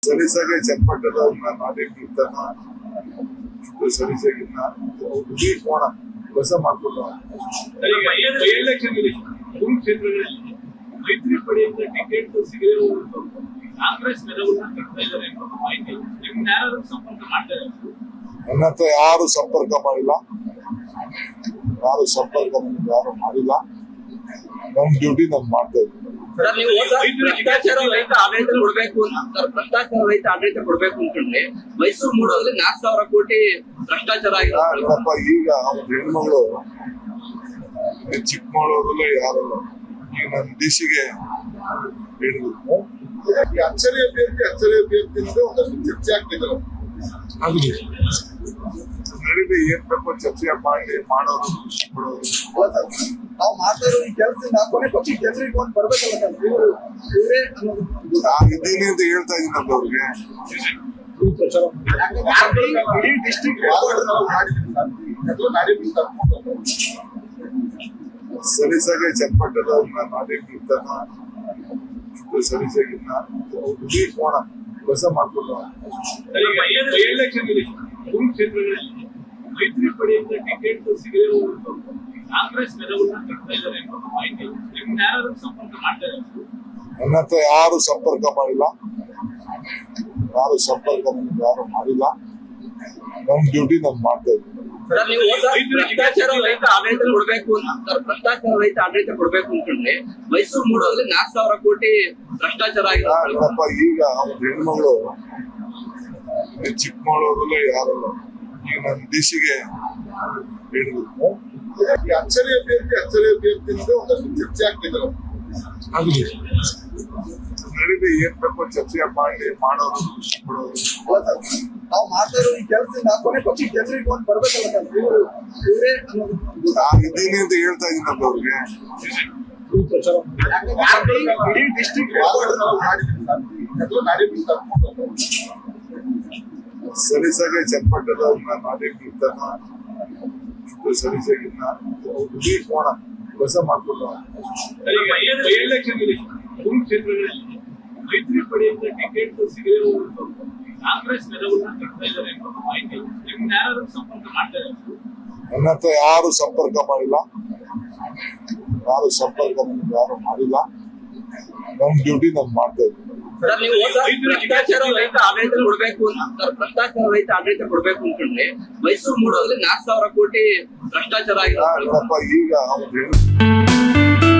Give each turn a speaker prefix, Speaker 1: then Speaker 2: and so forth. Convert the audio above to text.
Speaker 1: ಸಲೀಸಾಗೆ ಚನ್ನಪಟ್ಟಣದವ್ರನ್ನ ನಾಡಿನ ಸಲೀಸಾಗಿನ್ನ ಕೋಣ ಕೆಲಸ ಮಾಡ್ಕೊಂಡು
Speaker 2: ಕ್ಷೇತ್ರಗಳಲ್ಲಿ ಮೈತ್ರಿ ಪಡೆಯಿಂದ ಟಿಕೆಟ್ ಸಿಗಲಿರುವಂತ ಕಾಂಗ್ರೆಸ್ ನೆರವನ್ನ ಕಟ್ತಾ ಇದ್ದಾರೆ ಎಂಬ ಮಾಹಿತಿ ನಿಮ್ನ ಯಾರು ಸಂಪರ್ಕ ಮಾಡ್ತಾರೆ?
Speaker 1: ನನ್ನ ಹತ್ರ ಯಾರು ಸಂಪರ್ಕ ಮಾಡಿಲ್ಲ, ಯಾರು ಮಾಡಿಲ್ಲ. ನನ್ನ ಡ್ಯೂಟಿ ನಾನು ಮಾಡ್ತಾ ಇದ್ದೀನಿ.
Speaker 3: ಭ್ರಷ್ಟಾಚಾರ ರಹಿತ ಆಡಳಿತ ಕೊಡ್ಬೇಕು ಅಂತಂದ್ರೆ ಮೈಸೂರು ಮೂಡೋದ್ರಲ್ಲಿ 4,000 ಕೋಟಿ ಭ್ರಷ್ಟಾಚಾರ
Speaker 1: ಆಗಿದೆ. ಈಗ ಹೆಣ್ಮಗಳು ಚಿಕ್ಕಮಗಳೂರಲ್ಲೇ ಯಾರು ಈಗ ನನ್ನ ಡಿಸಿಗೆ ಹೇಳಿದ್ರು ಅಚ್ಚರಿ ಅಭ್ಯರ್ಥಿ ಒಂದಷ್ಟು ಚರ್ಚೆ ಆಗ್ತಿದ್ರು. ನಡೀಲಿ ಏನ್ ಬೇಕು ಚರ್ಚೆ ಮಾಡೋದು
Speaker 4: ನಾವು ಮಾತಾಡೋ ಈ ಕೆಲಸದಿಂದ ಕೊನೆ ಪಕ್ಷ ಜನರಿಗೆ ಒಂದು ಬರ್ಬೇಕಲ್ಲ
Speaker 1: ನಾನು ಇದ್ದೀನಿ ಅಂತ ಹೇಳ್ತಾ ಇದ್ದೀನಿ ಅವ್ರಿಗೆ.
Speaker 4: ಇಡೀ ಡಿಸ್ಟ್ರಿಕ್ಟ್
Speaker 1: ಸಲೀಸಾಗೆ ಚನ್ನಪಟ್ಟಣದವ್ರನ್ನ ನಾಡಿನ ಸಲೀಸಾಗಿನ್ನ ಕೋಣ ಕೆಲಸ ಮಾಡ್ಕೊಂಡು
Speaker 2: ಕ್ಷೇತ್ರಗಳಲ್ಲಿ ಮೈತ್ರಿ ಪಡೆಯಿಂದ ಟಿಕೆಟ್ ಸಿಗಲಿರುವಂತ ಕಾಂಗ್ರೆಸ್ ನೆರವನ್ನ ಕಟ್ತಾ ಇದ್ದಾರೆ ಎಂಬ ಮಾಹಿತಿ ನಿಮ್ನ ಯಾರು ಸಂಪರ್ಕ ಮಾಡ್ತಾರೆ?
Speaker 1: ನನ್ನ ಹತ್ರ ಯಾರು ಸಂಪರ್ಕ ಮಾಡಿಲ್ಲ, ಯಾರು ಮಾಡಿಲ್ಲ. ನನ್ನ ಡ್ಯೂಟಿ ನಾನು ಮಾಡ್ತಾ ಇದ್ದೀನಿ.
Speaker 3: ಭ್ರಷ್ಟಾಚಾರ ರಹಿತ ಆಡಳಿತ ಕೊಡ್ಬೇಕು ಅಂತಂದ್ರೆ ಮೈಸೂರು ಮೂಡೋದ್ರಲ್ಲಿ 4,000 ಕೋಟಿ ಭ್ರಷ್ಟಾಚಾರ ಆಗಿದೆ.
Speaker 1: ಈಗ ಹೆಣ್ಮಗಳು ಚಿಕ್ಕಮಗಳೂರಲ್ಲೇ ಯಾರು ಈಗ ನನ್ನ ಡಿಸಿಗೆ ಹೇಳಿದ್ರು ಅಚ್ಚರಿ ಅಭ್ಯರ್ಥಿ ಒಂದಷ್ಟು ಚರ್ಚೆ ಆಗ್ತಿದ್ರು. ನಡೀಲಿ ಏನ್ ಬೇಕು ಚರ್ಚೆ ಮಾಡೋದು
Speaker 4: ನಾವು ಮಾತಾಡೋ ಈ ಕೆಲಸದಿಂದ ಕೊನೆ ಪಕ್ಷ ಜನರಿಗೆ ಒಂದು ಬರ್ಬೇಕಲ್ಲ
Speaker 1: ನಾನು ಇದ್ದೀನಿ ಅಂತ ಹೇಳ್ತಾ ಇದ್ದೀನಿ ಅವ್ರಿಗೆ.
Speaker 4: ಇಡೀ ಡಿಸ್ಟ್ರಿಕ್ಟ್
Speaker 1: ಸಲೀಸಾಗೆ ಚನ್ನಪಟ್ಟಣದವ್ರನ್ನ ನಾಡಿನ ಸಲೀಸಾಗಿನ್ನ ಕೋಣ ಕೆಲಸ ಮಾಡ್ಕೊಂಡು
Speaker 2: ಕ್ಷೇತ್ರಗಳಲ್ಲಿ ಮೈತ್ರಿ ಪಡೆಯಿಂದ ಟಿಕೆಟ್ ಸಿಗಲಿರುವಂತ ಕಾಂಗ್ರೆಸ್ ನೆರವನ್ನ ಕಟ್ತಾ ಇದ್ದಾರೆ ಎಂಬ ಮಾಹಿತಿ ನಿಮ್ನ ಯಾರು ಸಂಪರ್ಕ ಮಾಡ್ತಾರೆ?
Speaker 1: ನನ್ನ ಹತ್ರ ಯಾರು ಸಂಪರ್ಕ ಮಾಡಿಲ್ಲ, ಯಾರು ಮಾಡಿಲ್ಲ. ನನ್ನ ಡ್ಯೂಟಿ ನಾನು ಮಾಡ್ತಾ ಇದ್ದೀನಿ.
Speaker 3: ಭ್ರಷ್ಟಾಚಾರ ರಹಿತ ಆಡಳಿತ ಕೊಡ್ಬೇಕು ಅಂತಂದ್ರೆ ಮೈಸೂರು ಮೂಡೋದ್ರಲ್ಲಿ 4,000 ಕೋಟಿ ಭ್ರಷ್ಟಾಚಾರ ಆಗಿದೆ.
Speaker 1: ಈಗ